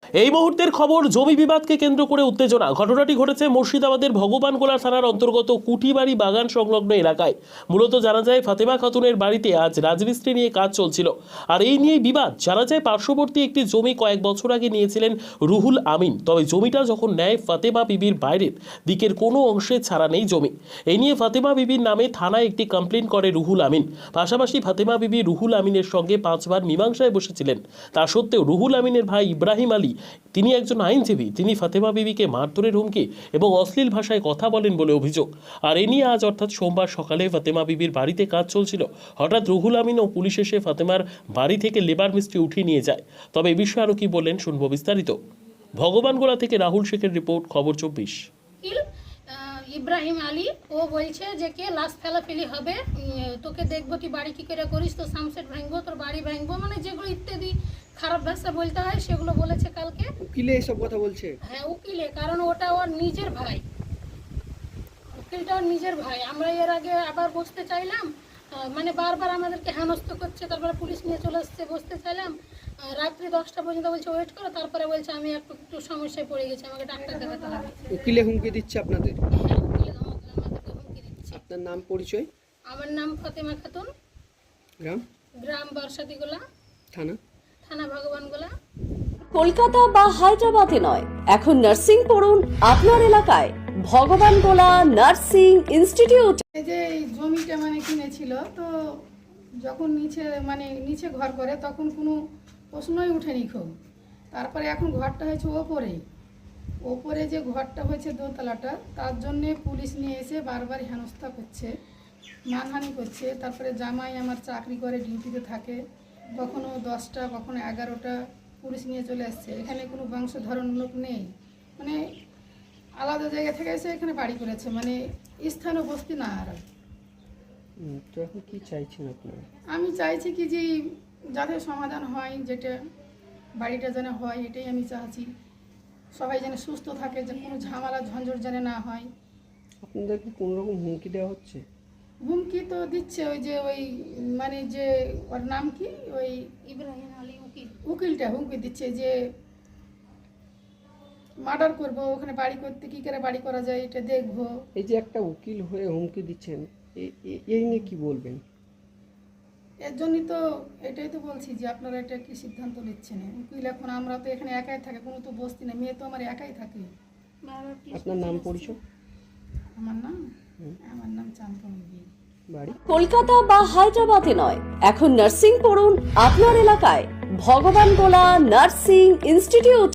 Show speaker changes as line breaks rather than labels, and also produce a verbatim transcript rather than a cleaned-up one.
এই মুহূর্তের খবর, জমি বিবাদকে কেন্দ্র করে উত্তেজনা। ঘটনাটি ঘটেছে মুর্শিদাবাদের ভগবানগোলা থানার অন্তর্গত কুটিবাড়ি বাগান সংলগ্ন এলাকায়। মূলত জানা যায় ফাতেমা খাতুনের বাড়িতে আজ রাজমিস্ত্রি নিয়ে কাজ চলছিল, আর এই নিয়ে বিবাদ। জানা যায় পার্শ্ববর্তী একটি জমি কয়েক বছর আগে নিয়েছিলেন রুহুল আমিন, তবে জমিটা যখন নেয় ফাতেমা বিবির বাইরের দিকের কোনো অংশে ছাড়া নেই জমি। এই নিয়ে ফাতেমা বিবির নামে থানায় একটি কমপ্লেন করে রুহুল আমিন। পাশাপাশি ফাতেমা বিবি রুহুল আমিনের সঙ্গে পাঁচবার মীমাংসায় বসেছিলেন। তা সত্ত্বেও রুহুল আমিনের ভাই ইব্রাহিম আলী, তিনি একজন আইনজীবী, তিনি ফাতেমা বিবিকে মারধরের হুমকি এবং অশ্লীল ভাষায় কথা বলেন বলে অভিযোগ। আর এ নিয়ে আজ অর্থাৎ সোমবার সকালে ফাতেমা বিবির বাড়িতে কাজ চলছিল। হঠাৎ রুহুল আমিন ও পুলিশ এসে ফাতেমার বাড়ি থেকে লেবার মিস্ত্রি উঠিয়ে নিয়ে যায়। তবে এ বিষয়ে আরও কি বললেন শুনবো বিস্তারিত। ভগবানগোলা থেকে রাহুল শেখের রিপোর্ট, খবর চব্বিশ।
ইব্রাহিম আলী ও বলছে যে কে লাশ ফেলাফেলি হবে, তোকে দেখবো তুই বাড়ি কি করে করিস, তো সামসেট ভাঙবো, তোর বাড়ি ভাঙবো, মানে যেগুলো ইত্যাদি খারাপ ভাষা বলতে হয় সেগুলো বলেছে কালকে।
উকিলে এসব কথা বলছে?
হ্যাঁ উকিলে, কারণ ওটা ওর নিজের ভাই, উকিলটা ওর নিজের ভাই। আমরা এর আগে আবার বসতে চাইলাম, মানে বারবার আমাদেরকে হেনস্থ করছে, তারপরে পুলিশ নিয়ে চলে আসছে, বসতে চাইলাম রাত্রি দশটা পর্যন্ত, বলছে ওয়েট করো, তারপরে বলছে আমি একটু একটু সমস্যায় পড়ে গেছি, আমাকে ডাক্তার দেখাতে হবে।
উকিলে হুমকি দিচ্ছে আপনাদের?
হ্যাঁ উকিলে আমাদেরকে হুমকি দিচ্ছে।
আপনার নাম পরিচয়?
আমার নাম ফাতেমা খাতুন,
গ্রাম?
গ্রাম বর্ষাদিগোলা,
থানা?
থানা ভগবানগোলা।
কলকাতা বা হায়দ্রাবাদে নয়, এখন নার্সিং পড়ুন আপনার এলাকায়। Bhagwangola nursing institute.
এই যে এই জমিটা মানে কিনেছিল, তো যখন নিচে মানে নিচে ঘর করে তখন কোনো প্রশ্নই উঠেনি খুব। তারপরে এখন ঘরটা হয়েছে ওপরে, ওপরে যে ঘরটা হয়েছে দোতলাটা, তার জন্যে পুলিশ নিয়ে এসে বারবার হেনস্থা করছে, মানহানি করছে। তারপরে জামাই আমার চাকরি করে, ডিউটিতে থাকে, কখনো দশটা কখনো এগারোটা পুলিশ নিয়ে চলে আসছে। এখানে কোনো বংশধরন লোক নেই, মানে আলাদা জায়গা থেকে এসে এখানে বাড়ি করেছে, মানে স্থানীয় বস্তি না। আর
তো এখন কি চাইছেন আপনারা?
আমি চাইছি কি যে যাতে সমাধান হয়, যেটা বাড়িটা যেন হয়, এটাই আমি চাইছি। সবাই যেন সুস্থ থাকে, যে কোনো ঝামেলা ঝঞ্ঝট যেন না হয়।
আপনাদের কি কোনো রকম হুমকি দেওয়া হচ্ছে?
হুমকি তো দিচ্ছে, ওই যে ওই মানে যে ওর নাম কি, ওই ইব্রাহিম আলী উকিল, উকিলটা হুমকি দিচ্ছে যে মার্ডার করবো, ওখানে বাড়ি করতে কী করে বাড়ি করা যায় এটা দেখবো।
এই যে একটা উকিল হয়ে হুমকি দিচ্ছেন, এই নিয়ে কি বলবেন?
এর জন্যই তো এটাই তো বলছি যে আপনারা এটা কি সিদ্ধান্ত নিচ্ছেন। উকিল এখন আমরা তো এখানে একাই থাকে, কোনো তো বস্তি না, মেয়ে তো আমার একাই থাকে।
আপনার নাম পরিচয়?
আমার নাম আমার নাম চাঁদমণি।
বাড়ি?
কলকাতা বা হায়দ্রাবাদে নয়, এখন নার্সিং পড়ুন আপনার এলাকায়। Bhagwangola nursing institute.